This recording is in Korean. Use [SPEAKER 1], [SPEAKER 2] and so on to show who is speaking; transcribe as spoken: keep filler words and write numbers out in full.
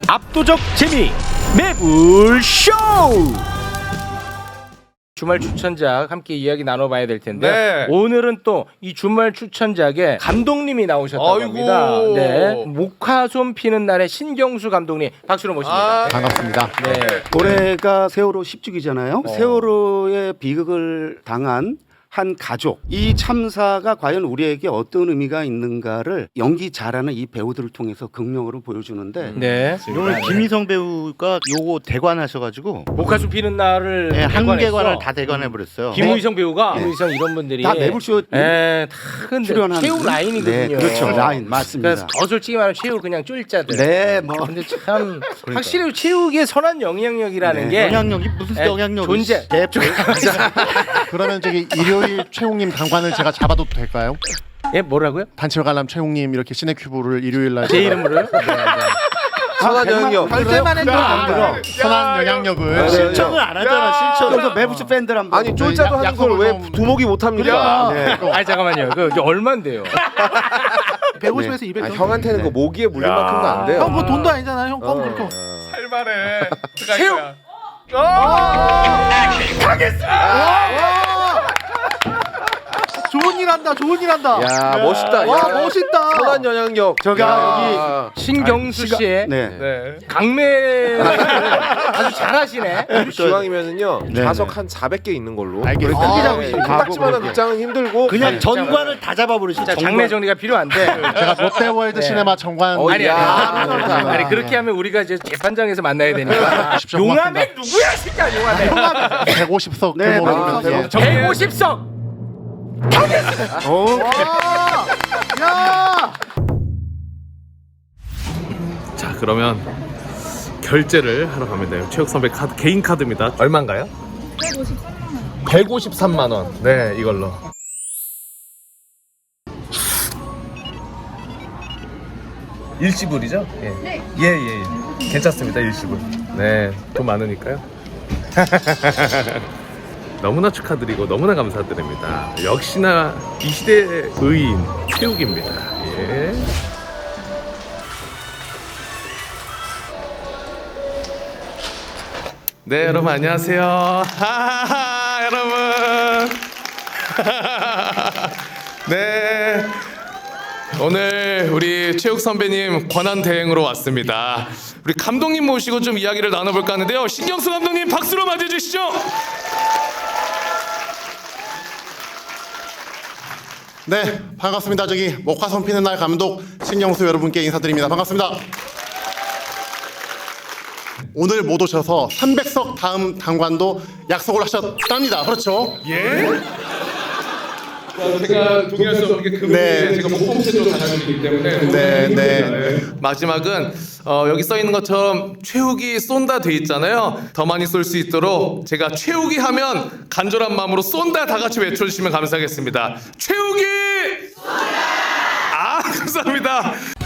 [SPEAKER 1] 압도적 재미 매불쇼. 주말 추천작 함께 이야기 나눠봐야 될 텐데
[SPEAKER 2] 네.
[SPEAKER 1] 오늘은 또 이 주말 추천작에 감독님이 나오셨다고
[SPEAKER 2] 아이고.
[SPEAKER 1] 합니다. 네. 목화솜 피는 날의 신경수 감독님 박수로 모십니다.
[SPEAKER 2] 아,
[SPEAKER 3] 반갑습니다.
[SPEAKER 1] 네.
[SPEAKER 4] 올해가 세월호 십 주기잖아요.
[SPEAKER 1] 어.
[SPEAKER 4] 세월호의 비극을 당한 한 가족, 이 참사가 과연 우리에게 어떤 의미가 있는가를 연기 잘하는 이 배우들을 통해서 극명으로 보여주는데
[SPEAKER 1] 네.
[SPEAKER 3] 오늘 김희성 배우가 요거 대관하셔가지고
[SPEAKER 1] 목화솜 피는 날을
[SPEAKER 3] 네, 한
[SPEAKER 1] 대관했어.
[SPEAKER 3] 개관을 다 대관해 버렸어요.
[SPEAKER 1] 김의성 배우가
[SPEAKER 4] 네.
[SPEAKER 1] 김의성 이런 분들이
[SPEAKER 4] 다 매불쇼
[SPEAKER 1] 네, 다 근데
[SPEAKER 4] 출연하는
[SPEAKER 1] 최후 라인이거든요.
[SPEAKER 4] 네, 그렇죠. 라인 맞습니다.
[SPEAKER 1] 그래서 더 솔직히 말하면 최후 그냥 쫄자들.
[SPEAKER 4] 네, 뭐
[SPEAKER 1] 근데 참 확실히 최후의 선한 영향력이라는
[SPEAKER 4] 네.
[SPEAKER 1] 게
[SPEAKER 3] 영향력이 무슨
[SPEAKER 1] 네,
[SPEAKER 3] 영향력이
[SPEAKER 1] 존재.
[SPEAKER 3] 대표.
[SPEAKER 5] 그러면 저기 일요일 최홍님 당관을 제가 잡아도 될까요?
[SPEAKER 1] 예 뭐라고요?
[SPEAKER 5] 단체 관람 최홍님 이렇게 시네큐브를 일요일 날
[SPEAKER 1] 제 이름으로요?
[SPEAKER 2] 선한 영향력.
[SPEAKER 4] 할 때만 해도 안 들어.
[SPEAKER 5] 선한 영향력을
[SPEAKER 4] 실천을 안 하잖아. 실천. 그래서 매부쇼 팬들 한번
[SPEAKER 2] 아니 쫄자도 하는 걸 왜 두목이 못합니까? 네.
[SPEAKER 1] 아니 잠깐만요. 그 이제 얼마인데요?
[SPEAKER 6] 백오십에서 이백
[SPEAKER 2] 아,
[SPEAKER 6] 정도.
[SPEAKER 2] 형한테는 그 모기에 물린 만큼도 안 돼요.
[SPEAKER 6] 형, 뭐 돈도 아니잖아. 형, 껌 그렇게.
[SPEAKER 2] 할만해.
[SPEAKER 1] 최후.
[SPEAKER 6] 좋은 일 한다. 좋은 일 한다.
[SPEAKER 2] 야 멋있다.
[SPEAKER 6] 와,
[SPEAKER 2] 야,
[SPEAKER 6] 멋있다.
[SPEAKER 2] 선한 영향력.
[SPEAKER 1] 저가 여기 신경수 씨의
[SPEAKER 4] 네.
[SPEAKER 2] 네.
[SPEAKER 1] 강매 아주 잘하시네.
[SPEAKER 2] 기왕이면은요
[SPEAKER 4] 네,
[SPEAKER 2] 좌석
[SPEAKER 4] 네.
[SPEAKER 2] 한 사백 개 있는 걸로.
[SPEAKER 5] 알겠습니다.
[SPEAKER 2] 그렇게
[SPEAKER 4] 아,
[SPEAKER 2] 하고 있어요.
[SPEAKER 4] 가고
[SPEAKER 2] 딱지만한
[SPEAKER 4] 그렇게.
[SPEAKER 2] 극장은 힘들고.
[SPEAKER 3] 그냥 전관을 다 잡아버리시.
[SPEAKER 1] 자, 장례 정리가 필요한데.
[SPEAKER 5] 제가 롯데월드
[SPEAKER 1] 네.
[SPEAKER 5] 시네마 정관
[SPEAKER 2] 어,
[SPEAKER 1] 아니
[SPEAKER 2] 야,
[SPEAKER 1] 아니,
[SPEAKER 2] 좋다.
[SPEAKER 1] 아니 그렇게 하면 우리가 이제 재판장에서 만나야 되니까. 용암에 누구야 진짜 용암에.
[SPEAKER 5] 백오십 석
[SPEAKER 4] 네,
[SPEAKER 5] 규모로
[SPEAKER 4] 아,
[SPEAKER 5] 좀-
[SPEAKER 4] 네.
[SPEAKER 1] 백오십 석.
[SPEAKER 6] 야!
[SPEAKER 7] 자 그러면 결제를 하러 가면 돼요. 최욱 선배 카드 개인 카드입니다. 얼마인가요? 백오십삼만 원. 네 이걸로. 일시불이죠? 예. 네. 예예 예. 괜찮습니다 일시불. 네 돈 많으니까요. 너무나 축하드리고 너무나 감사드립니다. 역시나 이 시대의 의인 최욱입니다. 예. 네 여러분 안녕하세요. 하하하 여러분. 네 오늘 우리 최욱 선배님 권한 대행으로 왔습니다. 우리 감독님 모시고 좀 이야기를 나눠볼까 하는데요. 신경수 감독님 박수로 맞이해주시죠.
[SPEAKER 5] 네 반갑습니다. 저기 목화솜 피는 날 감독 신경수 여러분께 인사드립니다. 반갑습니다. 오늘 못 오셔서 삼백 석 다음 당관도 약속을 하셨답니다. 그렇죠?
[SPEAKER 7] 예? 제가 동의할 수 없는 게그
[SPEAKER 5] 네.
[SPEAKER 7] 부분에 제가 목공채도 다녔기 때문에
[SPEAKER 5] 네, 네.
[SPEAKER 7] 마지막은 어, 여기 써 있는 것처럼 최욱이 쏜다 돼 있잖아요. 더 많이 쏠 수 있도록 제가 최욱이 하면 간절한 마음으로 쏜다 다 같이 외쳐주시면 감사하겠습니다. 최욱이 쏜다! 아 감사합니다.